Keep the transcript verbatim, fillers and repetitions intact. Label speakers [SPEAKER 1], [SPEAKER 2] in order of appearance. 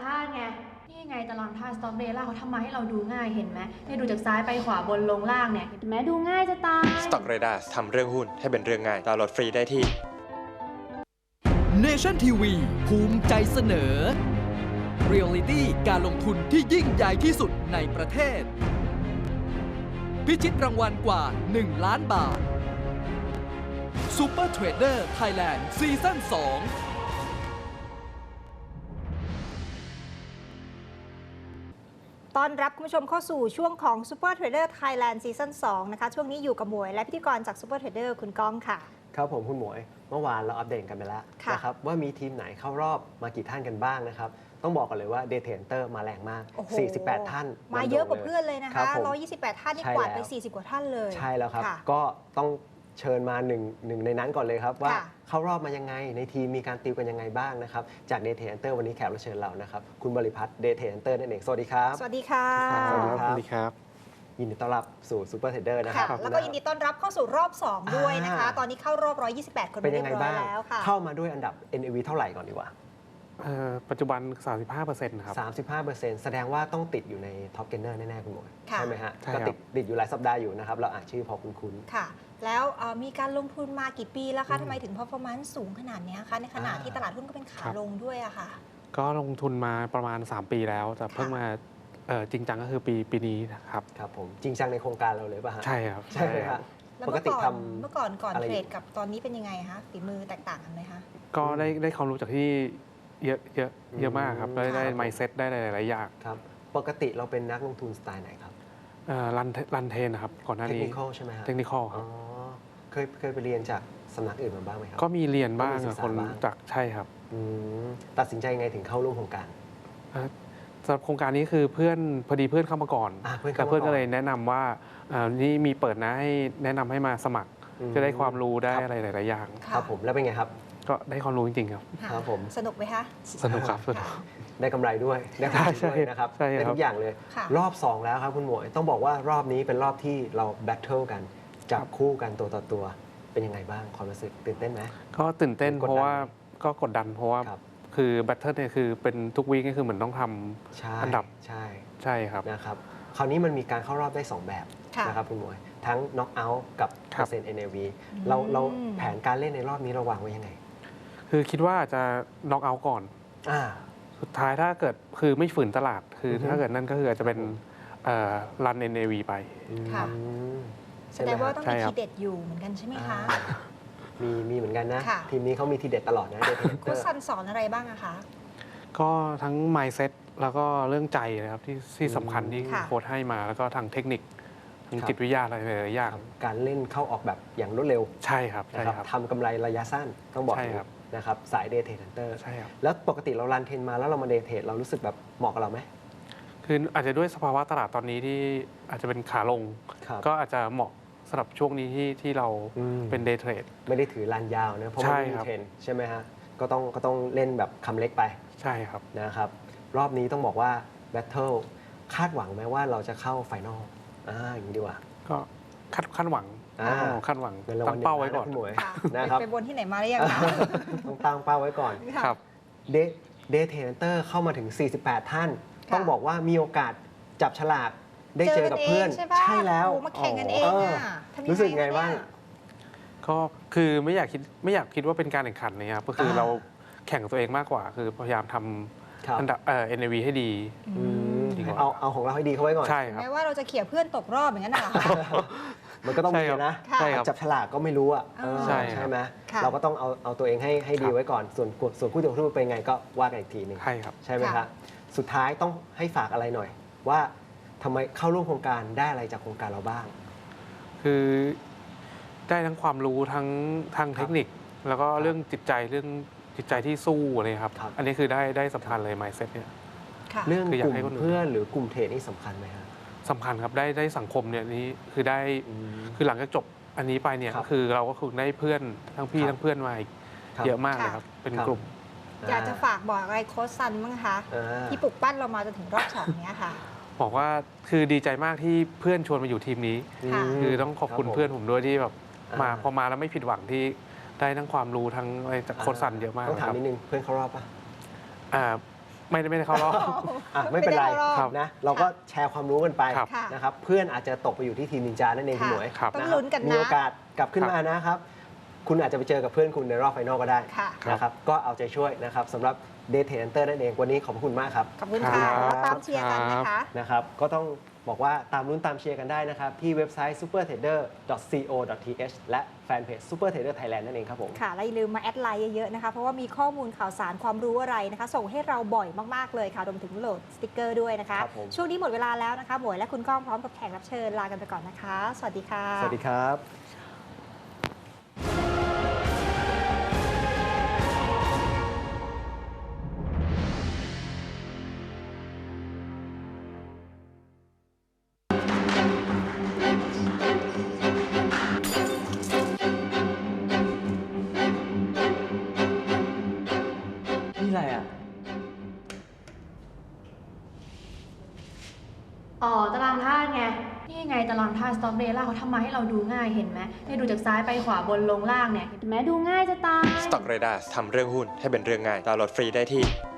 [SPEAKER 1] ธาตุไงนี่ไงตารางธาตุสต็อกเดล่าเขาทำมาให้เราดูง่ายเห็นไหมเนี่ยดูจากซ้ายไปขวาบนลงล่างเนี่ยเห็นไหมดูง่ายจะตาย
[SPEAKER 2] Stock Radar ทำเรื่องหุ้นให้เป็นเรื่องง่ายดาวน์โหลดฟรีได้ที่
[SPEAKER 3] Nation ที วี ภูมิใจเสนอ Reality การลงทุนที่ยิ่งใหญ่ที่สุดในประเทศ พิชิตรางวัลกว่า หนึ่ง ล้านบาท Super Trader Thailand ซีซั่น สอง
[SPEAKER 4] ต้อนรับคุณผู้ชมเข้าสู่ช่วงของ Super Trader Thailand ซีซั่น สองนะคะช่วงนี้อยู่กับหมวยและพิธีกรจาก Super Trader คุณก้องค่ะ
[SPEAKER 5] ครับผมคุณหมวยเมื่อวานเราอัปเดตกันไปแล้วนะครับว่ามีทีมไหนเข้ารอบมากี่ท่านกันบ้างนะครับต้องบอกกันเลยว่า Day Trader มาแรงมาก สี่สิบแปด ท่าน
[SPEAKER 4] มาเยอะกว่าเพื่อนเลยนะคะหนึ่งร้อยยี่สิบแปดท่านนี่กวาดไปสี่สิบกว่าท่านเลย
[SPEAKER 5] ใช่แล้วครับก็ต้องเชิญมาหนึ่งหนึ่งในนั้นก่อนเลยครับว่าเข้ารอบมายังไงในทีมมีการติวกันยังไงบ้างนะครับจาก Day Trader วันนี้แขกรับเชิญเรานะครับคุณบริพัตร Day Trader นั่นเองสวัสดีครับ
[SPEAKER 4] สวัสดีค่ะ
[SPEAKER 2] สวัสดีครับ
[SPEAKER 5] ยินดีต้อนรับสู่ Super Trader นะครับ
[SPEAKER 4] แล้วก็ยินดีต้อนรับเข้าสู่รอบสองด้วยนะคะตอนนี้เข้ารอบหนึ่งร้อยยี่สิบแปดคน
[SPEAKER 5] เป็นยังไงบ้างเข้ามาด้วยอันดับ เอ็น เอ วี เท่าไหร่ก่อนดีกว่า
[SPEAKER 6] ปัจจุบัน สามสิบห้าเปอร์เซ็นต์ ครับ
[SPEAKER 5] สามสิบห้าเปอร์เซ็นต์ แสดงว่าต้องติดอยู่ในท็อปเกนเนอร์แน่ๆคุณหมวยใช่ไหมฮะก็ติดติดอยู่หลายสัปดาห์อยู่นะครับเราอ่านชื่อพอคุ้น
[SPEAKER 4] ๆค่ะแล้วมีการลงทุนมากี่ปีแล้วคะทำไมถึง performance สูงขนาดนี้คะในขณะที่ตลาดหุ้นก็เป็นขาลงด้วยอะค่ะ
[SPEAKER 6] ก็ลงทุนมาประมาณสามปีแล้วแต่เพิ่งมาจริงจังก็คือปีปีนี้นะครับ
[SPEAKER 5] ครับผมจริงจังในโครงการเราเลยป่ะฮะ
[SPEAKER 6] ใช่ครับ
[SPEAKER 5] ใช่ครับ
[SPEAKER 4] ปกติทำเมื่อก่อนก่อนเทรดกับตอนนี้เป็นยังไงคะฝีมือแตกต่างกันไหมคะ
[SPEAKER 6] ก็ได้ได้ความรู้จากที่เยอะเยอะเยอะมากครับได้ได้ mindset ได้หลายๆอย่าง
[SPEAKER 5] ครับปกติเราเป็นนักลงทุนสไตล์ไหนครับ
[SPEAKER 6] รันรันเทนนะครับก่อนหน้านี้
[SPEAKER 5] เทคนิคอลใช่ไหมครับ
[SPEAKER 6] เทคนิคอลครับ
[SPEAKER 5] เคยเคยไปเรียนจากสำนักอื่นมาบ้างไหมครับ
[SPEAKER 6] ก็มีเรียนบ้างคนจากใช่ครับ
[SPEAKER 5] ตัดสินใจไงถึงเข้าร่วมโครงการ
[SPEAKER 6] สำหรับโครงการนี้คือเพื่อนพอดีเพื่อนเข้ามาก่อนแต่เพื่อนก็เลยแนะนำว่านี่มีเปิดนะให้แนะนำให้มาสมัครจะได้ความรู้ได้อะไรหลายๆอย่าง
[SPEAKER 5] ครับผมแล้วเป็นไงครับ
[SPEAKER 6] ก็ได้ความรู้จริงๆครับ
[SPEAKER 5] ครับผม
[SPEAKER 4] สนุกไหมคะ
[SPEAKER 6] สนุกครับ
[SPEAKER 5] ได้กำไรด้วยได้กำไรด้วยนะครับได้ทุกอย่างเลยรอบสองแล้วครับคุณหมวยต้องบอกว่ารอบนี้เป็นรอบที่เราแบทเทิลกันจับคู่กันตัวต่อตัวเป็นยังไงบ้างความรู้สึกตื่นเต้นไหม
[SPEAKER 6] ก็ตื่นเต้นเพราะว่าก็กดดันเพราะว่าคือแบทเทิลเนี่ยคือเป็นทุกวีคก็คือเหมือนต้องทำอันดับ
[SPEAKER 5] ใช่
[SPEAKER 6] ใช่ครับ
[SPEAKER 5] นะครับคราวนี้มันมีการเข้ารอบได้สองแบบนะครับคุณหมวยทั้งน็อกเอาท์กับเปอร์เซ็นต์ เอ็น เอ วี เราเราแผนการเล่นในรอบนี้เราวางไว้ยังไง
[SPEAKER 6] คือคิดว่าจะน็อกเอาท์ก่อนสุดท้ายถ้าเกิดคือไม่ฝืนตลาดคือถ้าเกิดนั่นก็คืออาจจะเป็นรัน เอ็น เอ วี ไป
[SPEAKER 4] แสดงว่าต้องมีทีเด็ดอยู่เหมือนกันใช่ไหมคะ
[SPEAKER 5] มีมีเหมือนกันนะทีมนี้เขามีทีเด็ดตลอดนะ
[SPEAKER 4] โค้ชซันสอนอะไรบ้างอะคะ
[SPEAKER 6] ก็ทั้ง mindset แล้วก็เรื่องใจนะครับที่ที่สำคัญที่โค้ชให้มาแล้วก็ทางเทคนิคทางจิตวิทยาอะไรหลายๆอย่าง
[SPEAKER 5] การเล่นเข้าออกแบบอย่างรวดเร็ว
[SPEAKER 6] ใช่ครับใช่ครับ
[SPEAKER 5] ทำกำไรระยะสั้นต้องบอกนะครับสายเดย์เทรดเตอร์ใช่ครับแล้วปกติเรารันเทรนมาแล้วเรามาเดย์เทรดเรารู้สึกแบบเหมาะกับเราไหม
[SPEAKER 6] คืออาจจะด้วยสภาวะตลาดตอนนี้ที่อาจจะเป็นขาลงก็อาจจะเหมาะสำหรับช่วงนี้ที่ที่เราเป็นเดย์เทรด
[SPEAKER 5] ไม่ได้ถือรันยาวนะเพราะไม่มีเทรนใช่ไหมฮะก็ต้องก็ต้องเล่นแบบคำเล็กไป
[SPEAKER 6] ใช่ครับ
[SPEAKER 5] นะครับรอบนี้ต้องบอกว่าแบทเทิลคาดหวังไหมว่าเราจะเข้าไฟนอลอ่าอย่างนี้ดีกว่า
[SPEAKER 6] ก็คาดคาดหวังคาดหวังตั้งเป้าไว้ก่อน
[SPEAKER 5] นะครับ
[SPEAKER 4] ไปบนที่ไหนมาหรือยังคะ
[SPEAKER 5] ต้องตั้งเป้าไว้ก่อน
[SPEAKER 6] ครับ
[SPEAKER 5] เดเดย์เทรดเตอร์เข้ามาถึงสี่สิบแปดท่านต้องบอกว่ามีโอกาสจับฉลากได้เจอกับเพื่อนใช่แล้ว
[SPEAKER 4] มาแข่งกันเอง
[SPEAKER 5] รู้สึกไงบ้าง
[SPEAKER 6] ก็คือไม่อยากคิดไม่อยากคิดว่าเป็นการแข่งขันนะครับก็คือเราแข่งตัวเองมากกว่าคือพยายามทำอันดับเอ่อ เอ็น เอ วี ให้ดี
[SPEAKER 5] เอาเอาของเราให้ดีเข้าไว้ก่อน
[SPEAKER 6] ใช่ครับ
[SPEAKER 4] แม้ว่าเราจะเขี่ยเพื่อนตกรอบอย่างนั้นน่ะ
[SPEAKER 5] มันก็ต้องมีนะจับฉลากก็ไม่รู้อ่ะ
[SPEAKER 6] ใช่
[SPEAKER 5] ใช่ไหมเราก็ต้องเอาเอาตัวเองให้ให้ดีไว้ก่อนส่วนส่วนคู่ต่อสู้เป็นไงก็ว่ากันอีกทีหนึ่ง
[SPEAKER 6] ใช่ครับ
[SPEAKER 5] ใช่ไหมครับสุดท้ายต้องให้ฝากอะไรหน่อยว่าทำไมเข้าร่วมโครงการได้อะไรจากโครงการเราบ้าง
[SPEAKER 6] คือได้ทั้งความรู้ทั้งทางเทคนิคแล้วก็เรื่องจิตใจเรื่องจิตใจที่สู้อะไรครับอันนี้คือได้ได้สำคัญเลย mindset เนี่ย
[SPEAKER 5] เรื่องกลุ่มเพื่อนหรือกลุ่มเทรดนี่สำคัญไหมครับ
[SPEAKER 6] สำคัญครับได้ได้สังคมเนี่ยนี้คือได้คือหลังจากจบอันนี้ไปเนี่ยคือเราก็คือได้เพื่อนทั้งพี่ทั้งเพื่อนมาเยอะมากเลยครับเป็นกลุ่ม
[SPEAKER 4] อยากจะฝากบอกอะไรโค้ชซันบ้างคะที่ปลุกปั้นเรามาจนถึงรอบสองนี้ค่ะ
[SPEAKER 6] บอกว่าคือดีใจมากที่เพื่อนชวนมาอยู่ทีมนี้คือต้องขอบคุณเพื่อนผมด้วยที่แบบมาพอมาแล้วไม่ผิดหวังที่ได้ทั้งความรู้ทั้งอะไรจากโค้ชซันเยอะมาก
[SPEAKER 5] ต้องถามนิดนึงเพื่อนเขารอบป่ะ
[SPEAKER 6] อ่าไม่ได้ไม่ได้เข้ารอบ
[SPEAKER 5] อ่ะไม่เป็นไร
[SPEAKER 4] ไม่ได้เข้ารอบ
[SPEAKER 5] นะเราก็แชร์ความรู้กันไป
[SPEAKER 6] ครับ
[SPEAKER 5] นะครับเพื่อนอาจจะตกไปอยู่ที่ทีมนินจานั่นเองคุณหมวย
[SPEAKER 6] ครับ
[SPEAKER 4] ต้อง
[SPEAKER 5] ะครับ
[SPEAKER 4] ลุ้นกันนะ
[SPEAKER 5] มีโอกาสกลับขึ้นมานะครับ คุณอาจจะไปเจอกับเพื่อนคุณในรอบไฟนอลก็ได้
[SPEAKER 4] ค่ะ
[SPEAKER 5] นะครับก็เอาใจช่วยนะครับสำหรับ Day Hunter นั่นเองวันนี้ขอบคุณมากครับ
[SPEAKER 4] ขอบคุณค่ะ
[SPEAKER 6] ครับ
[SPEAKER 4] แล้วตามเชียร์กันนะคะ
[SPEAKER 5] นะครับก็ต้องบอกว่าตามลุ้นตามเชียร์กันได้นะครับ ที่เว็บไซต์ ซูเปอร์เทรดเดอร์ ดอท ซี โอ ดอท ที เอช และแฟนเพจ Super Trader Thailand นั่นเองครับผม
[SPEAKER 4] ค่ะและอย่าลืมมาแอดไลน์เยอะๆนะคะ เพราะว่ามีข้อมูลข่าวสารความรู้อะไรนะคะ ส่งให้เราบ่อยมากๆเลยค่ะรวมถึงโหลดสติกเกอร์ด้วยนะคะ
[SPEAKER 5] ครับผม
[SPEAKER 4] ช่วงนี้หมดเวลาแล้วนะคะหมวยและคุณก้องพร้อมกับแขกรับเชิญลากันไปก่อนนะคะ สวัสดีค่ะ
[SPEAKER 5] สวัสดีครับ
[SPEAKER 7] นี่อะไรอ่ะ
[SPEAKER 1] อ๋อตารางธาตุไง นี่ไงตารางธาตุสต็อกเดล่าเขาทำมาให้เราดูง่ายเห็นไหมเนี่ยดูจากซ้ายไปขวาบนลงล่างเนี่ยเห็นไหมดูง่ายจะตาย
[SPEAKER 2] Stock Radar ทำเรื่องหุ้นให้เป็นเรื่องง่ายดาวน์โหลดฟรีได้ที่